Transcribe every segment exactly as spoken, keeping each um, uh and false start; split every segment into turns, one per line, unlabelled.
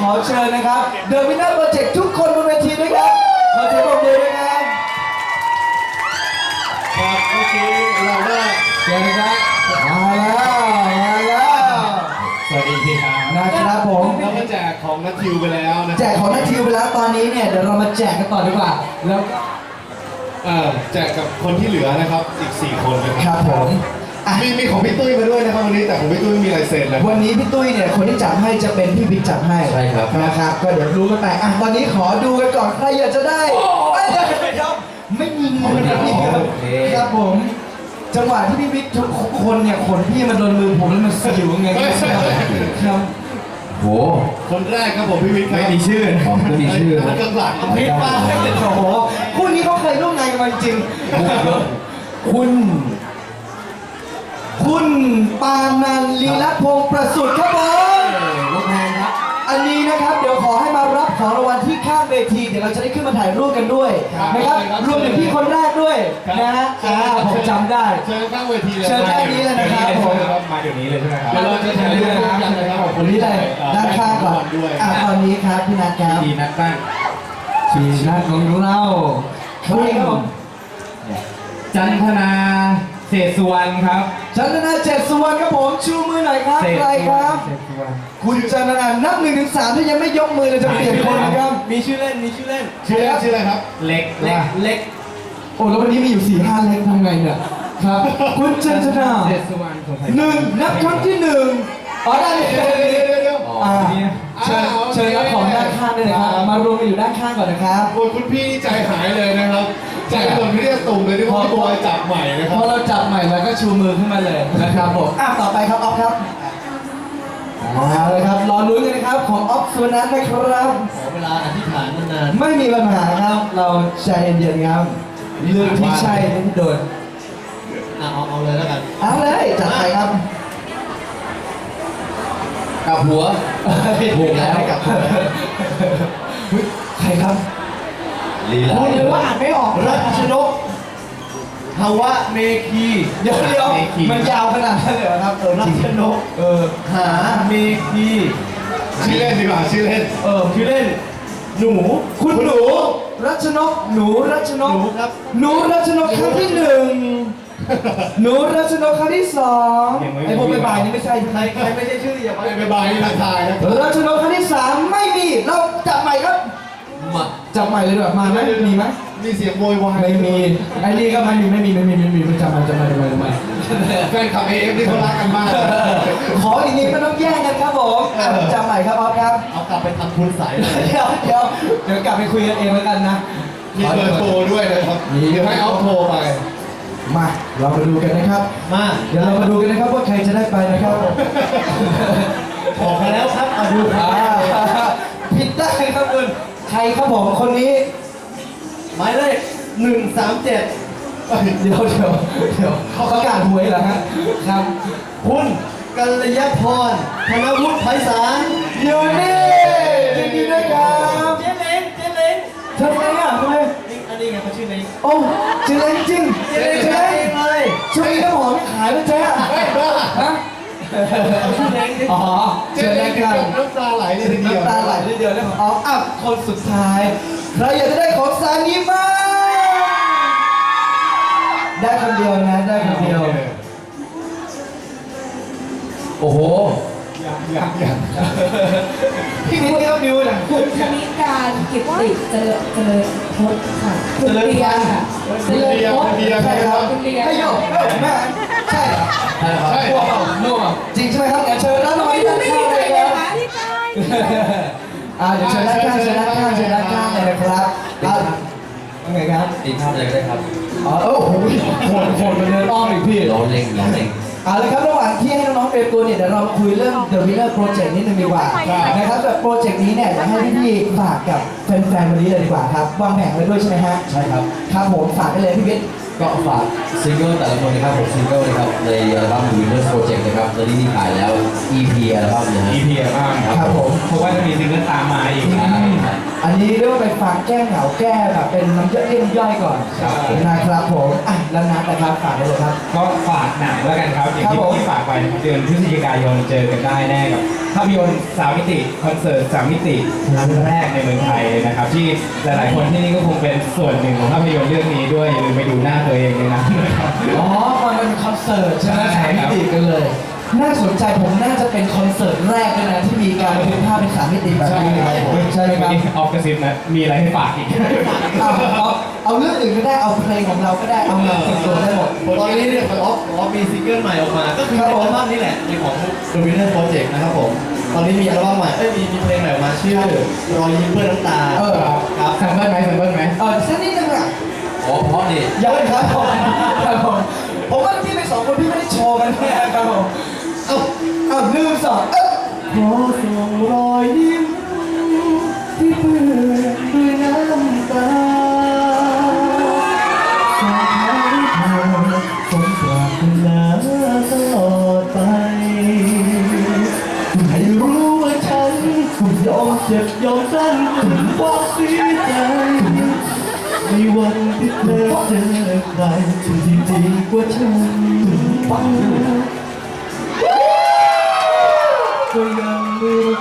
อเชิญนะครับเดอะวินเนอร์โปรเจกต์ทุกคนบนเวทีด้วยครับขอเสียงปรบมือด้วยครับ
ครับเมื่อกี้เราได้
เชิญนะครับมาแล้วมาแล้ว
สวัสดีพี่ครับ
นะครับผม
เราก็แจกของนัททิวไปแล้วนะ
แจกของนัททิวไปแล้วตอนนี้เนี่ยเดี๋ยวเรามาแจกกันต่อดีกว่าแล้ว
เออแจกกับคนที่เหลือนะครับอีกสี่คนนะ
ค
ค
รั
รั
บบผม
มีมีของพี่ตุ้ยมาด้วยนะครับวันนี้แต่ของพี่ตุ้ยไม่มีลายเซ็นนะ
วันนี้พี่ตุ้ยเนี่ยคนที่จับให้จะเป็นพี่บิ๊กจับให้
ใช่ครับ
นะครับก็เดี๋ยวรู้กันไปอ่ะตอนนี้ขอดูกันก่อนใครอยากจะได้ไม่มีเงินนะพี่ครับครับผมจังหวะที่พี่บิ๊กทุกคนเนี่ยขนพี่มันโดนมือผมแล้วมันสิวไงครับ
โห
คนแรกครับผมพี่วิทย์
ไม่มีชื่อผมไม่มีชื่อ
คนกลาง
พี่ป้าโอ้โหคู่นี้เขาเคยร่วมงานกันมาจริงคุณคุณปานันลีลพงศ์ประสุทธิ์ครับผม
ลูกแพงครับ
อันนี้นะครับเดี๋ยวขอให้มารับของรางวัลที่ข้างเวทีเดี๋ยวเราจะได้ขึ้นมาถ่ายรูปกันด้วยนะครับรวมถึงพี่คนแรกด้วยนะฮะอ่าผมจำได้
เชิญข้างเวทีเลย
เชิญด้านนี้เลยนะครับผม
มาเดี๋ยวนี้เลยใช่ไหมครับ
เดี๋ยวเราจะถ่ายรูปกันนะครับ
คนนี้เลยด้านข้างก่อนอ่าตอนนี้ครับพี่นัทครับ
พี่นัทบ้าง
พี่นัทของเราใครครับผม
จันทนาเศษสุวรรณครับ
จันทนาเจ็ดสุวรรณครับผมชูมือหน่อยครับใครครับคุณจันทนานับหนึ่งถึงสามถ้ายังไม่ยกมือเลยจะเปลี่ยนคนนะครับ
มีชื่อเล่นมีชื่อเล่น
ชื่อเล่นชื่ออะไรครับ
เล็กเล็กเล็ก
โอ้แล้ววันนี้มีอยู่สี่ห้าเล็กทำไงเนี่ยครับคุณจันทนา
เศษสุวรรณ
หนึ่งนับครั้งที่หนึ่งอ๋อได้เลยอ่าเชิญเชิญรับของด้านข้างด้วยนะครับมารวมกันอยู่ด้านข้างก่อนนะครับ
โอ้คุณพี่ใจหายเลยนะครับใจจนเรียกตุ่มเลยที่พ่อบอยจับใหม่นะครับ
พอเราจับใหม่แล้วก็ชูมือขึ้นมาเลยนะครับผมอ่ะต่อไปครับออฟครับมาเลยครับรอลุ้นกันนะครับของออฟสุนันท์นะครับ
ขอเวลาอธิษฐานนาน
ไม่มีปัญหาครับเราใจเย็นๆครับเรื่องที่ใช่ที่โดน
อ่ะเอาเอาเลยแล้วกัน
เอาเลยจัดไปครับ
กับหัว
ถูกแล้วกับใครครับ
ลีลา
พูดเลยว่าอ่านไม่ออก
รัชนกภาวะเมคี
เดี๋ยวเดี๋ยวมันยาวขนาดนั้นเลยครับเออรัชนก
เออหาเมคี
ชื่อเล่นดีกว่าชื่อเล่น
เออชื่อเล่นหนู
คุณหนูรัชนกหนูรัชนก
หนูครับ
หนูรัชนกครั้งที่หนึ่งหนูรัชนกครั้งที่สองไอ้พวกใบใบนี่ไม่ใช่
ใครใครไม่ใช่ชื่ออย่าไป
ใบใบนี่ทักทายนะ
รัชนกครั้งที่สามไม่มีเราจับใหม่ครับ
มา
จับใหม่เลยดีกว่ามาไหมมีไหม
มีเสียงโวยวาย
ไม่มีไอ้นี่ก็ไม่มีไม่มีไม่มีไม่มีมันจับใหม่จับใหม่จับใหม่จับใหม่
แฟนคลับเอฟนี่เขารักกันมาก
ขออีกนิดไม่ต้องแย่งกันครับผมจับใหม่ครับออฟครับ
เอากลับไปทำคุณใส
เดี๋ยวเดี๋ยวเดี๋ยวกลับไปคุยกันเองแล้วกันนะ
มีเบอร์โทรด้วยนะครับเดี๋ยวให้เอาโทรไป
มาเรามาดูกันนะครับ
มา
เดี๋ยวเรามาดูกันนะครับว่าใครจะได้ไปนะครับ
ออกมาแล้วครับมาดู
ผิดได้ครับคุณใครครับผมคนนี้
หมายเลขหนึ่งสามเจ็ด
เดี๋ยวเดี๋ยวเดี๋ยวเขาประกาศหวยเหรอฮะครับ
คุณกัลยาพรธนวุฒิไพศาล
อยู่นี่ยินดีด้วยครับ
เจเล้งเจเล้ง
ทำไมอ่ะทำไม
อันนี้ไงเขาชื่อเล้ง
โอ้เจเล้งจริง
เจเล้งเจเล้งเลย
ช่วงนี้น้ำหอมไม่ขายแล้วเจ๊ฮะ
ชื่อเล้ง
อ๋อ
เจเล้งกันน้ำตาไหลเลยทีเดียว
น้ำตาไหลเลยเดียวนะของอ๋ออ่ะคนสุดท้ายใครอยากจะได้ของซานิมาได้คนเดียวนะได้คนเดียว
โอ้โห
ยังยังยัง
พี่มิ้นเขาดิวนะ
คุณธนิการกิตติเจริญเจริญพจน์ค่ะคุณเรียนค่ะเจริญพจน์
ใช่ครับ
คุณเรียน
ให้โยกแม่ใช่เหรอ
ใช่ครับ
มั่วมั่วจริงใช่ไหมครับเชิญแล้วหน่อย
ไม่ดีใจเลยนะที่ใจ
อ่าเดี๋ยวเชิญด้านข้างเชิญด้านข้างเชิญด้านข้างเลยนะครับอ่าไงครับ
ตีภาพเลยก็ได้ครับ
อ๋อโอ้โหโหดโหดมาเดินอ้อมอีกพี่
ร้อนเล่งร้อนเล่ง
เอาเลยครับระหว่างที่ให้น้องๆเตรียมตัวเนี่ยเดี๋ยวเราคุยเรื่อง The Winner Project นิดนึงดีกว่านะครับแบบโปรเจกต์นี้เนี่ยอยากให้พี่ๆฝากกับแฟนๆวันนี้เลยดีกว่าครับวางแผนไว้ด้วยใช่ไหมฮะ
ใช่ครับ
ครับผมฝากได้เลยพี่วิทย์
ก็ฝากซิงเกิลแต่ละคนนะครับผมซิงเกิลนะครับในอัลบั้ม Winner Project นะครับตอนนี้มีขายแล้ว อี พี อัลบั้มนะฮะ
อี พี อัลบั้ม
ครับผม
เพราะว่าจะมีซิงเกิลตามมาอีก
อันนี้เรียกว่าไปฟังแก้เหงาแก้แบบเป็นน้ำย่อยเรียกน้ำย่อยก่อนนะครับผมอ่ะแล้วนัดนะครับฝากได้เลยครับ
ก็ฝากหนังแล้วกันครับอย่าง
ครับ
ที่
ผม
ที่ฝากไปนะครับเดือนพฤศจิกายนเจอกันได้แน่กับภาพยนตร์สามมิติคอนเสิร์ตสามมิติครั้งแรกในเมืองไทยเลยนะครับที่หลายๆคนที่นี่ก็คงเป็นส่วนหนึ่งของภาพยนตร์เรื่องนี้ด้วยอย่าลืมไปดูหน้าตัวเองในนั้นนะครับ
อ๋อมันเป็นคอนเสิร์ตใช่ไหม
ใช่
สาม
ครั
มิ
บ
ติกันเลย น่าสนใจผมน่าจะเป็นคอนเสิร์ตแรกเลยนะที่มีการบันทึกภาพเป็นสามมิติแบบนี้ครับผมใช่ไหมครับ
วันนี้ออฟกระซิบนะมีอะไรให้ฝากอีก
เอาเอาเอาเรื่องอื่นก็ได้เอาเพลงของเราก็ได้เอาเงินส่วนตัวได้หมด
ตอนนี้เนี่ยออฟออฟมีซิงเกิลใหม่ออกมา ก็คือ
ครับผม
อัลบั้มนี้แหละเป็นของ The Winner Project นะครับผม ตอนนี้มีอัลบั้มใหม่ เอ้ยมีมีเพลงใหม่ออกมาชื่อรอยยิ้มเพื่อน้ำตา
เออ
ครับ
แซมเปิลไหมแซมเปิลไหม
เออสักนิดนึงอ่ะ
อ๋อเพราะนี่
ยังครับผมครับผมผมว่าพี่เป็นสองคนพี่ไม่ได้โชว์กันแน่ครับผมเอาเอาหนึ่งสองเอ้าขอส่งรอยยิ้มที่เปื้อนด้วยน้ำตาสาธุเธอสมปรารถนาตลอดไปให้รู้ว่าฉันยอมเจ็บยอมสั้นถึงความเสียใจในวันที่เธอเจอใครที่ดีกว่าฉันฟังก็ยังไม่รู้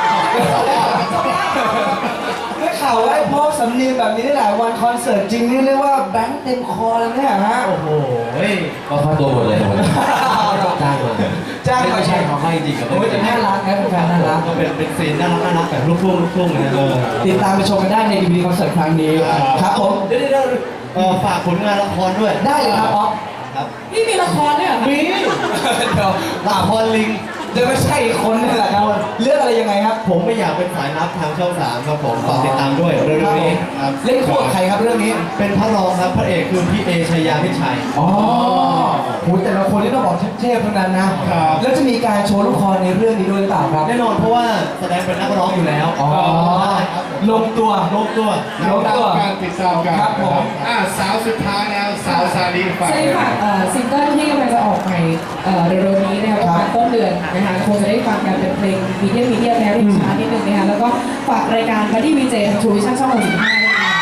ได้ข่าวว่าไอ้พวกสำเนียงแบบนี้ได้หลายวันคอนเสิร์ตจริงนี่เรียกว่าแบงค์เต็มคอเลยเนี่ยฮะ
โอ้โหเฮ้ย
ก็ค่าตัวหมดเลยหมดเลยจ้างมา
จ้างมา
ไม่ใช่เขาให้จริงกับ
โอ้ยแต่น่ารักนะเป็นแฟนน่ารัก
ก็เป็นเป็นซีนน่ารักน่ารักแบบลูกทุ่งลูกทุ่งนะเออ
ติดตามไปชมกันได้ในดีวีคอนเสิร์ตครั้งนี้ครับผม
เดี๋ยวเดี๋ยวเออฝากผลงานละครด้วย
ได้เลยครับอ๊อฟ
ครับ
นี่มีละครด้วยเหรอคะ
มี
เดี๋ยว
ละครลิง
เดี๋ยวไม่ใช่อีกคนนี่แหละครับเรื่องอะไรยังไงครับ
ผมไม่อยากเป็นสายลับทางช่องสามครับผมฝากติดตามด้วยเรื่องนี้ครับ
เล่นคู่กับใครครับเรื่องนี้
เป็นพระรองครับพระเอกคือพี่เอชายาพิชัย
อ๋อโหแต่ละคนนี่ต้องบอกเทพๆทั้งนั้นนะ
ครับ
แล้วจะมีการโชว์ละครในเรื่องนี้ด้วยหรือเปล่าครับ
แน่นอนเพราะว่าแสดงเป็นนักร้องอยู่แล้ว
อ๋อ
ใช่ครับผม
ลงตัว
ลงตัว
ลงตัว
การติดตามกัน
ครับผม
อ่าสาวสุดท้ายแล้วสาวซาลีฝาก
ใช่
เลย
ค่ะเอ่อซิงเกิลที่กำลังจะออกใหม่เอ่อเร็วๆนี้นะคะประมาณต้นเดือนนะคะคงจะได้ฟังกันเป็นเพลงมีเดียมมีเดียมแนวริมช้านิดนึงนะคะแล้วก็ฝากรายการบัดดี้วีเจทางทูวิชั่นช่องหกสิบห้าด้วยนะคะ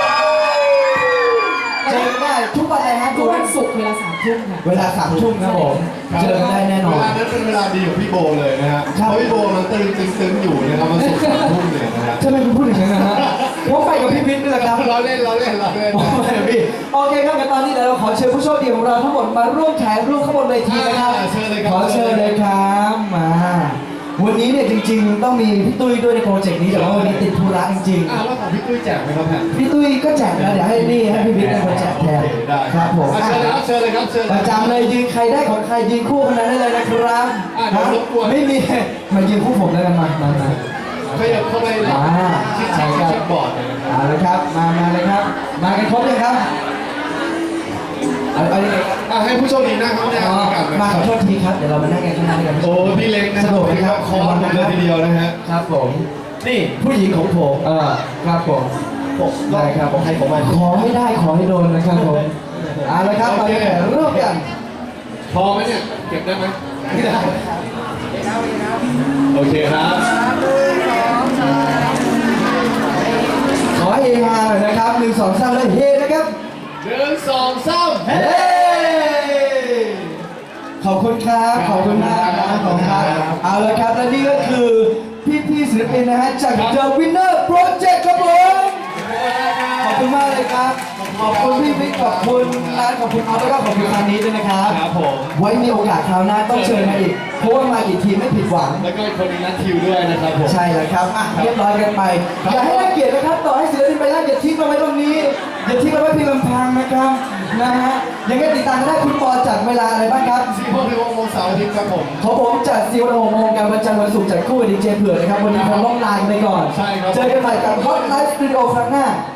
เจอกันได้ทุกวันเลยฮะ
ทุกวันศุกร์เวลาสามทุ่มค่ะ
เวลาสามทุ่มครับผมเจอกันได้แน่นอน
เวลานั้นเป็นเวลาดีของพี่โบเลยนะฮะ
ครับ
เพราะพี่โบมันตึงตึงตึงอยู่นะครับมันสุกสามทุ่มเลยนะฮะ
ทำไมคุณพูดอย่างนั้นนะฮะผมไปกับพี่วิทย์นี่แหละครับ
เราเล่นเราเล่นเราเล่น
โอ้ยพี่โอเคครับงั้นตอนนี้เดี๋ยวเราขอเชิญผู้โชคดีของเราทั้งหมดมาร่วมแข่งร่วมข้างบนเวทีนะครับ
อ่าเชิญเลยครับ
ขอเชิญเลยครับมาวันนี้เนี่ยจริงๆ ต้องมีพี่ตุ้ยด้วยในโปรเจกต์นี้แต่ว่าวันนี้ติดธุระจริง
อ่าแล้วของพี่ตุ้ยแจกไหมครับแพน
ๆพี่ตุ้ยก็แจกนะเดี๋ยวให้นี่ให้พี่วิทย์เป็นคนแจกแทน
โอเคได้
ครับผม
อ่ะเชิญเลยครับเชิญเลยครับเชิญ
ป
เลย
ระจำเลยยืนใครได้ของใครยืนคู่คนนั้นได้เลยนะครับ
อ่ะเดี๋ยวรบกวน
ไม่มีมายืนคู่ผมแล้วกันมามามา
ขยับเข้าไป
อ่า
ชิด
ใช่
ชิด
ครับ
ชิดบอร์ดเลยนะครับ
เอาละครับมามาเลยครับ มากันครบเลยครับเอาเอายังไงครับ
อ่ะให้ผู้โชคดีนั่งข้างหน้า
อ๋อ
กันนะ
มา
ค
ข
รั
อบ โทษทีครับ เดี๋ยวเรามานั่งกันข้างหน้าด้วยกัน
โอ้พี่เล็กนะ
สะดวกไหมครับ
คอร์สเลยทีเดียวนะฮะ
ครับผม
นี่ผู้หญิงของผม
เออครับผม
ผมก็
ได้ครับ
ของใครของมัน
ขอให้ได้ขอให้โดนนะครับผมเอาละครับตอนนี้ร่วมกัน
พอไหมเนี่ยเก็บได้ไหมไม่ได้โอเคครับ
ขอเฮฮาหน่อยนะครับหนึ่งสองสามเลยเฮนะครับ
หนึ่งสองสาม
เฮ้ขอบคุณครับ ขอบคุณมากนะขอบคุณครับ เอาละครับ และนี่ก็คือพี่ๆศิลปินนะฮะจาก The Winner Project ครับผม ขอบคุณมากเลยครับ ขอบคุณพี่บิ๊กขอบคุณร้านขอบคุณเอาแล้วก็ขอบคุณคานี้ด้วยนะครับ
ครับผม
ไว้มีโอกาสคราวหน้าต้องเชิญมาอีก เพราะว่ามากี่ทีไม่ผิดหวัง
แล้วก็คนนี้นัดคิวด้วยนะครับผม
ใช่แล้วครับอ่ะเรียบร้อยกันไป อย่าให้น่าเกลียดนะครับ ต่อให้ศิลปินไปแล้วอย่าทิ้งเราไว้ตรงนี้ อย่าทิ้งเราไว้เพียงลำพังนะครับ นะฮะ ยังไงติดตามกันได้คุณปอจัดเวลาอะไรบ้างครับ
สี่โมงถึงหกโมงเสาร์อาทิตย์ครับผม
ของผมจัดซีวันโมงการวันจันทร์วันศุกร์จัดคู่กับดีเจเผือกนะครับ วันนี้คงต้องลากันไปก่อน
ใช่ครับ
เจอกันใหม่กับ Hot Live Studio ครั้งหน้า